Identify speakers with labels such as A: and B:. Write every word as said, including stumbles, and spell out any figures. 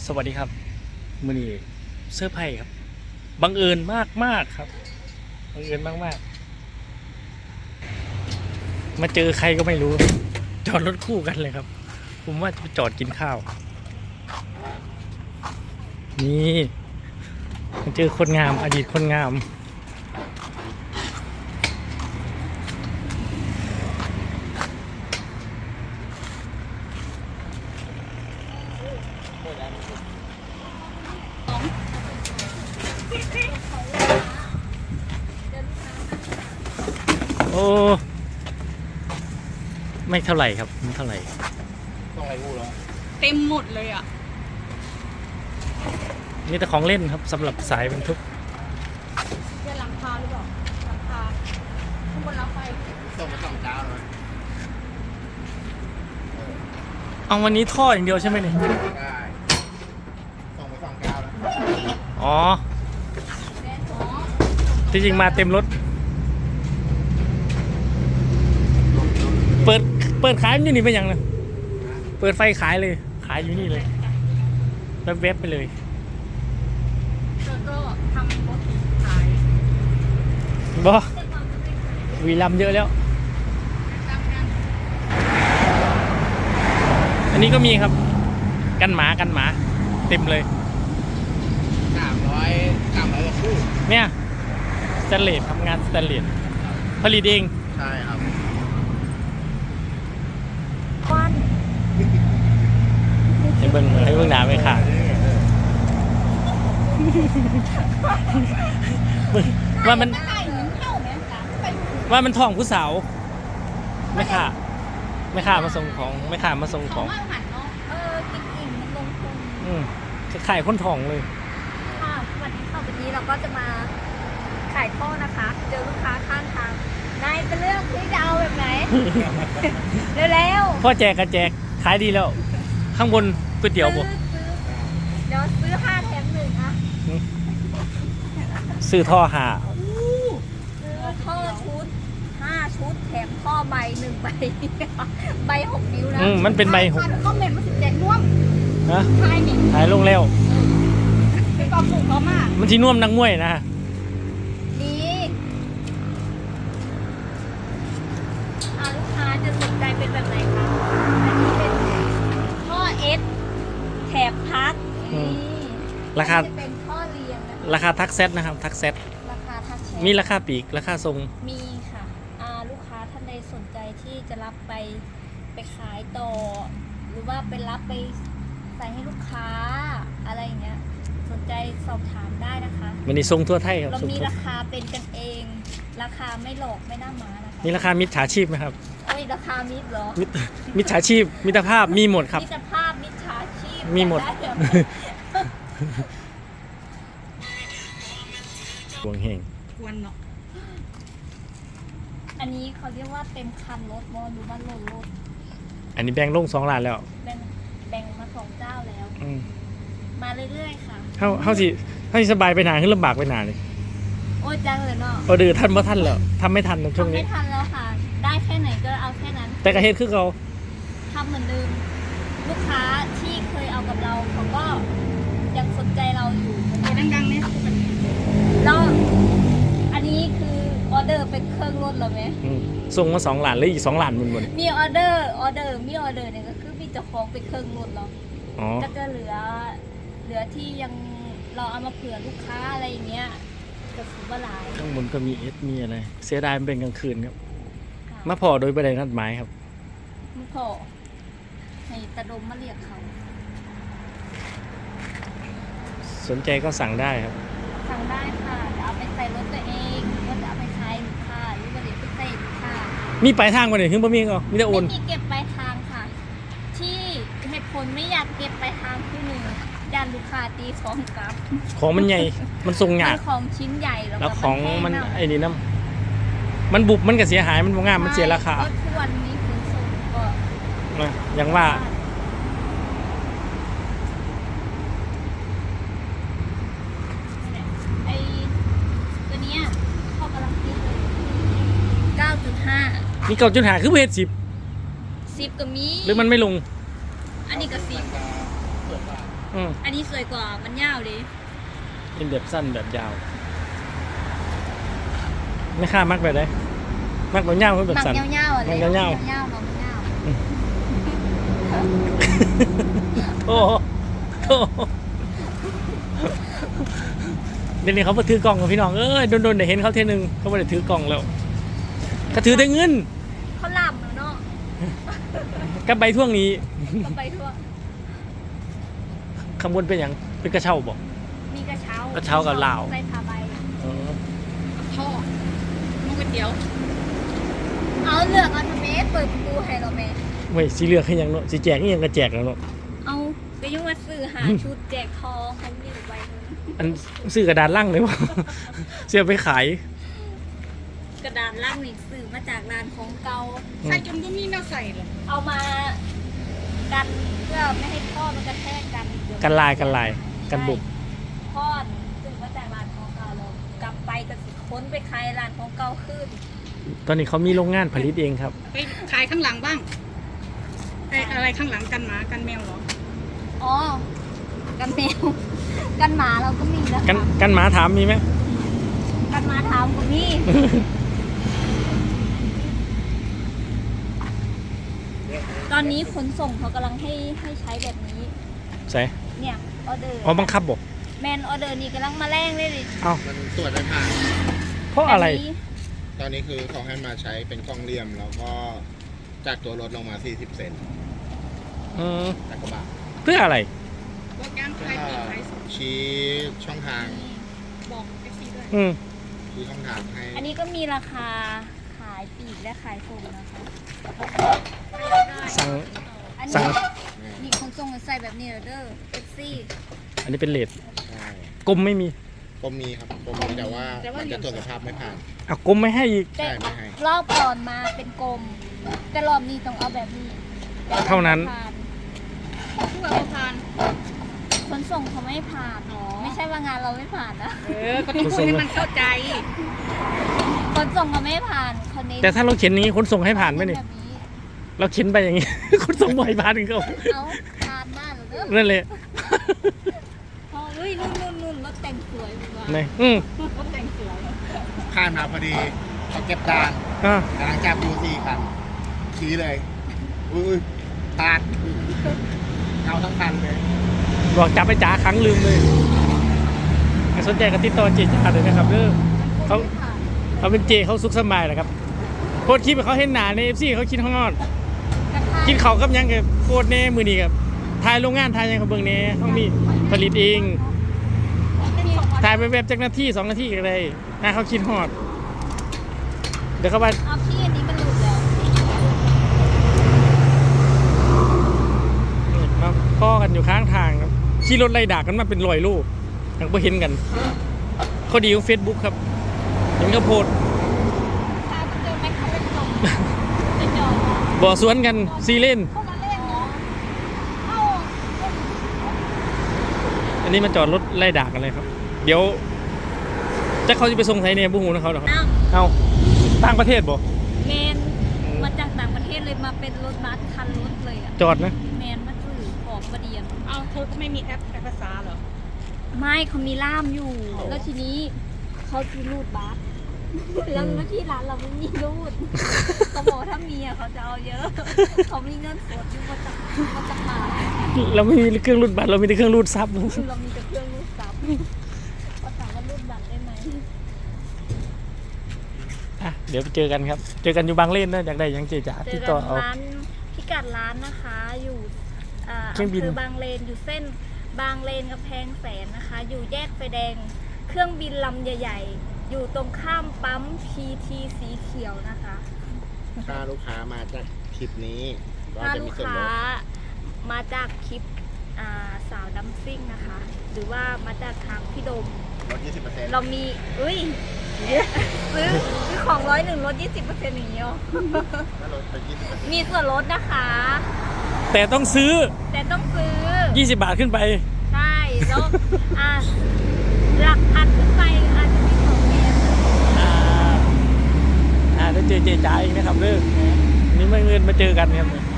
A: สวัสดีครับมือนี้เสื้อร์ไผ่ครับบังเอิญมากมากครับบังเอิญมากมากมาเจอใครก็ไม่รู้จอดรถคู่กันเลยครับผมว่าจะไปจอดกินข้าวนี่มาเจอคนงามอดีตคนงามโอ้ไม่เท่าไหร่ครับไม่เท่าไหร่ต้องอะไรพูดแล้ว
B: เต็มหมดเลยอ่ะ
A: มีแต่ของเล่นครับสำหรับสายบรรทุก
B: เป็นหลังคาหรือเปล่าหลังคาข้างบนรถไฟ
C: ส่งมาสองเจ้าเลย
A: เอาวันนี้ท่ออย่างเดียวใช่ไหมเนี่ย
C: ได้ส่งมาสองเจ้าแล้ว
A: อ๋อที่จริงมาเต็มรถเปิดเปิดขายอยู่นี่เป็นยังไงเปิดไฟขายเลยขายอยู่นี่เลยแล้วเว็บไปเลย
B: แล้วก็ทำรถขาย
A: บอวีลัมเยอะแล้วอันนี้ก็มีครับกันหมากันหมาเต็มเลย
C: สามร้อยสามร้อยกว่าคู่
A: เนี่ยสแตนเลสทำงานสแตนเลสผลิตเอง
C: ใช่ครับ
B: วัน
A: ให้เบิ้งให้เบิ้งหนาไปค่ะว่ามันว่ามันท่องผู้สาวไม่ค่ะไม่ค่ะมาส่งของไม่ค่ะมาส่งของ
B: เออกินอิ่มมันลงทุน
A: อืมขายคนท่องเลย
B: ค่ะวันนี้ต่อไปนี้เราก็จะมาขายท่อนะคะเจอลูกค้าข้างทางนายจะเลือกที่จะเอาแบบไหนเร็ว
A: ๆพ่อแจกกระแจกขายดีแล้วข้างบนก๋วยเตี๋ยวบ่
B: เดี๋ยวซื้อห้าแถมหนึ่งอะ
A: ซื้อท่อหา
B: ซื้อท่อชุดห้าชุดแถมท่อใบหนึ่งใบใบหกนิ้วนะ
A: อืมมันเป็นใบหก
B: ก็เหม็นมันสิแจกน่วม
A: ฮะ
B: ทายนี่
A: ทายลงแล้ว
B: เป็นกองปลูกเขามาก
A: มันที่น่วมนักมวยนะ
B: นี่อ่าลูกค้าจะสนใจเป็นแบบไหนคะอันนี้เป็นท่อเอสแถบพัก
A: ราคา
B: เป็นท่อเรียงนะ
A: ราคาทักเซตนะครับทักเซต
B: ราคาทักเซต
A: มีราคาปีกราคาทรง
B: มีค่ะอ่าลูกค้าท่านใดสนใจที่จะรับไปไปขายต่อหรือว่าไปรับไปใส่ให้ลูกค้าอะไรอย่างเงี้ยสนใจสอบถามได้นะคะ
A: วันนี้ทรงทั่วไทยครับ
B: เรามีราคาเป็นกันเองราคาไม่หลอกไม่น่ามานะคะ
A: มีราคามิจฉาชีพไหมครับ
B: เอ้ยราคามิตรเหรอ
A: มิจฉาชีพมิตรภาพมีหมดครับ
B: มิตรภาพมิจฉาชีพ
A: มีหมดหวงเฮง
B: วันเนาะอันนี้เขาเรียกว่าเต็มคันรถมอดูบ้านรถรถ
A: อันนี้แบ่งลงสองล้านแล้ว
B: แบ่งแบ่งมาสองเจ้าแล้วมาเรื่อยๆค่ะ
A: เฮาเฮาสิเฮาสิสบายไปหนาขึ้นลำบากไปหนาเลย
B: โอ้ยจังเลยเนาะ
A: ออเดือท่านบ่ท่านแล้วทำไม่ทันในช่วงนี้
B: ทำไม่ทันแล้วค่ะได้แค่ไหนก็เอาแค่นั้น
A: แต่กระเฮ็ดคือเขา
B: ทำเหมือนเดิมลูกค้าที่เคยเอากับเราเขาก็ยังสนใจเราอยู่ดังๆเนี่ยแล้วอันนี้คือออเดอร์เป็นเครื่องรถเหรอไหม
A: ส่งมาสองล้านเลยอีกสองล้านมันหมด
B: มีออเดอร์ออเดอร์มีออเดอร์เนี่ยก็คือมีเจ้าของเป็นเครื่องรถเราก็จะเหลือเหลือที่ยังเราเอามาเผื่อลูกค้าอะไรอย่างเงี้ยจะซื้อมาหลาย
A: ข้างบนก็มีเอสมีอะไรเสียดายมันเป็นกลางคืนครับมาพอโดยประเด็นนัดหมายครับ
B: มาพอให้ตะดมมาเรียกเขา
A: สนใจก็สั่งได้ครับ
B: สั่งได้ค่ะจะเอาไปใส่รถตัวเองหรือว่าจะเอาไปขายลูกค้าหรือว่าจะไปใส่ลูกค้า
A: มีปลายทางกว่าไหนขึ้นบ่มีก็มีแต่โอน
B: ไม่มีเก็บปลายทางค่ะที่เหตุผลไม่อยากเก็บปลายทางคือหนึ่งย่านลูกค้าตีของกลับ
A: ของมันใหญ่มันทรงหยาบ
B: ของชิ้นใหญ่
A: แล้วของมันไอ้นี่น้ำมันบุบมันก็เสียหายมันบ่งามมันเสียราคา
B: ทุกวันนี้ขนส่งก็
A: อย่างว่า
B: ไอ้ตัวเนี้ยเขากำลังคิดเลยเก้าจุดห้า
A: นี่เก้าจุดห้าคือเพจสิบ
B: สิบก็มี
A: หรือมันไม่ลง
B: อันนี้ก็สิบ
A: อืม
B: อันนี้สวยกว่ามันยาวดิ
A: เป็นแบบสั้นแบบยาวไม่ค่ามักแบบไหนมักแบบยาวหรือแบบ
B: หมัก
A: สั้น
B: ยาวๆอ่ะ
A: หมักยาวๆ
B: ยาวๆหมักยาว
A: โอ้โหโอ้โหเดี๋ยวนี้เขาไปถือกล่องกับพี่น้องเอ้ยโดนๆเดี๋ยวเห็นเขาเทนึงเขาไม่ได้ถือกล่องแล้วเขาถือแต่เงิน
B: เขาลำแล้วเนาะ
A: กับใบท่วงนี้
B: ก็ไปทั่ว
A: ข้างบนเป็นอย่างเป็นกระเช้าบอก
B: มีกระเช้าก
A: ระเช้ากับลาว
B: ใส่ผ้าใบ
A: เออ
B: ท่อมันก๋วยเตี๋ยว เอาเลือกเอาทำไมเปิดประตูให้เราแม่
A: เว้ยสีเหลือกให้ยังเนาะสีแจกนี่ยังกระแจกแล้วเนาะ
B: เอาก็ยังมาซื้อหาชุดแจกทองเขามีอยู่ใบหนึง
A: อันซื้อกระดานล่างเลยวะ เสียไปขาย
B: กระดานล่างนี่ซื้อมาจากร้านของเก่า
A: อืม
D: ใส่จนก็มีแนวใส่เลย
B: เอามากันเพื่อไม่ให้ท่อมันกระแทกกันเดี๋ยว
A: กันลายกันลายกันบุบ
B: ทอดซื้อมาจากร้านของเก่าเรากลับไปก็สิค้นไปขายร้านของเก่าขึ้น
A: ตอนนี้เขามีโรงงานผลิตเองครับ
D: ไปขายข้างหลังบ้างไออะไรข้างหลังกันหมากันแมวเหรอ
B: อ๋อ กันแมว กันหมาเราก็มีนะ
A: กัน
B: คะ
A: กันหมาถามมีไหม
B: กันหมาถามก็มีตอนนี้ขนส่งเขากำลังให้ให้ใช้แบบนี้
A: ใส่
B: เนี่ยออเดอร์
A: อ๋อบังคับบอก
B: แมนออเดอร์นี่กำลังมาแรงเลยดิ
A: เอ้า
C: มันตรวจไม่ผ่าน
A: เพราะอะไร
B: แบบนี้
C: ตอนนี้คือเขาให้มาใช้เป็นกล้องเหลี่ยม แล้วก็จากตัวรถลงมา สี่สิบ เซน
A: อืม
C: จากกระบะ
A: เพื่ออะไร
D: ว่าการ
C: เพื่
D: ขาย
C: อ
D: ปีกขายส่ง
C: ชี้ช่องทาง
D: บอกเอฟซีด้วย
A: อืม
C: ชี้ช่องทางให้
B: อันนี้ก็มีราคาขายปลีกและขายส่งนะคะ
A: สั่ง
B: อัน
A: สั่
B: นี้
A: ง
B: นี่ขนส่งใส่แบบนี้เหรอเด้อเอฟซี
A: อันนี้เป็นเลท
C: ใช่
A: กลมไม่มี
C: กรมมีครับกรมมีแต่ว่ามันจะตรวจสภาพไม่ผ่าน
A: อ่ะกลมไม่ให้อีก
B: แต่
C: ใช่ไม่ให้
B: รอบก่อนมาเป็นกลม แต่รอบนี้ต้องเอาแบบนี้
A: เท่านั้น
B: ผ่
D: ผู้แบบทาน
B: ขนส่งเขาไม่ผ่าน
D: อ๋อ
B: ไม่ใช่ว่างานเราไม่ผ่านนะ
D: เออก็ต้องพูดให้มันเข้าใจ
B: ขนส่งเขาไม่ผ่านเขาเน้น
A: แต่ถ้าเราเขียนนี้ขนส่งให้ผ่านไหมนี่
B: แบบนี้
A: เราเขียนไปอย่างนี้ ขนส่งบ่อยผ่านถึงเขา
B: เอาผ่านมากเหรอเด้อ
A: นั่นเลย
B: พอเฮ้ยนุ่นนุ่นนุ่นรถแต่งสวยมาก
A: นี่อืม
D: รถแต่งสวย
C: ผ่านมาพอดีเขาเก็บดาน
A: อ่ะ
C: กำลังจับดูสี่คันชี้เลย อุ้ยผ่านเอาทั้งคันเลย
A: บอกจับไปจ๋าครั้งลืมเลยใครสนใจก็ติดต่อเจจ๋าเลยนะครับเด้อ เขา
B: ไม่ผ่าน
A: เขาเป็นเจเขาสุขสบายแหละครับโคตรคลิปเขาเห็นหนาในเอฟซีเขาคิดข้างนอก
B: กระทะ
A: กินเขาวกับหยังกับโคตรแน่มือนี้ครับถ่ายโรงงานถ่ายหยังกับเบิ่งแน่ต้องมีผลิตเองถ่ายไปแบบจากนาทีสองนาทีก็ได้ถ้าเขาคิดฮอด เดี๋ยวเขาไป
B: เอาพี่อันนี้มันหลุดแล้ว
A: มาพ่อกันอยู่ข้างทางครับขี่รถไล่ด่ากันมาเป็นร้อยลูกยังไม่เห็นกันข้อดีของเฟซบุ๊กครับเห็นเขาโพสต์
B: ถ้าเจอแม็กเขาเป็นลมจะจอด
A: บ่อสวนกันซีเล่น
B: เข้ามาเล่นเนาะเข้า
A: อันนี้มันจอดรถไล่ด่ากันเลยครับ เดี๋ยวจะเขาจะไปส่งไทยเนี่ยบุ้งหูนะเขาเหรอครับ
B: อ้าว
A: เอาต่างประเทศบ่
B: แมนมาจากต่างประเทศเลยมาเป็นรถบัสคันรถเลยอ่ะ
A: จอดนะ
B: แมนมาซื้อของมาเดียน
D: เอาเธอก็ไม่มีแอปแปลภาษาเหรอ
B: ไม่เขามีล่ามอยู่ แล้วทีนี้เขาคือรูดบัสแล้วแล้วที่ร้านเราไม่มีรูดเขาบอกถ้ามีอ่ะเขาจะเอาเยอะ เขามีเงินสดอยู่มาจากมาจากมา
A: เราไม่มีเครื่องรูดบัตรเรามีแต่เครื่องรูดซับ
B: คือเรามีแต่เครื่องรูดซับเขาถามว่ารูดบัตรได้ไหม
A: อ่ะเดี๋ยวไปเจอกันครับ เจอกันอยู่บางเล่นนะอยากได้หยังเจจ๋า
B: เจ
A: ติ
B: อ
A: ด
B: กั
A: ต่อน เอา
B: ร้านพิกัดร้านนะคะ อยู่อ่า
A: เครื่องบิน
B: คือบางเลนอยู่เส้นบางเลนกับแพงแสนนะคะ อยู่แยกไฟแดง เครื่องบินลำใหญ่ ๆ อยู่ตรงข้ามปั๊ม พี ที สีเขียวนะคะ
C: ถ้าลูกค้ามาจากคลิปนี้ก็
B: ถ้า
C: จะ
B: ลู
C: มี
B: ก
C: ส่วน
B: ค้า
C: ลด
B: มาจากคลิปอ่าสาวดัมซิ่งนะคะ หรือว่ามาจากทางพี่โดม
C: ลด ยี่สิบเปอร์เซ็นต์
B: เรามีอุ้ยซื้อซื้อของร้อยหนึ่งลดยี่สิบเปอร์เซ็นต์อย่างเงี้ย
C: ถ้าลดไปยี่สิบเปอร์เซ็นต์
B: มีส่วนลดนะคะ
A: แต่ต้องซื้อ
B: แต่ต้องซื้อ
A: ยี่สิบบาทขึ้นไป
B: ใช่แล้วอ่ะหลักพันขึ้นไปอาจจะมีของแถม
A: อ่าอ่าได้เจอเจจ๋าอีกนะครับเลิกนี่ไม่เงินมาเจอกันครับ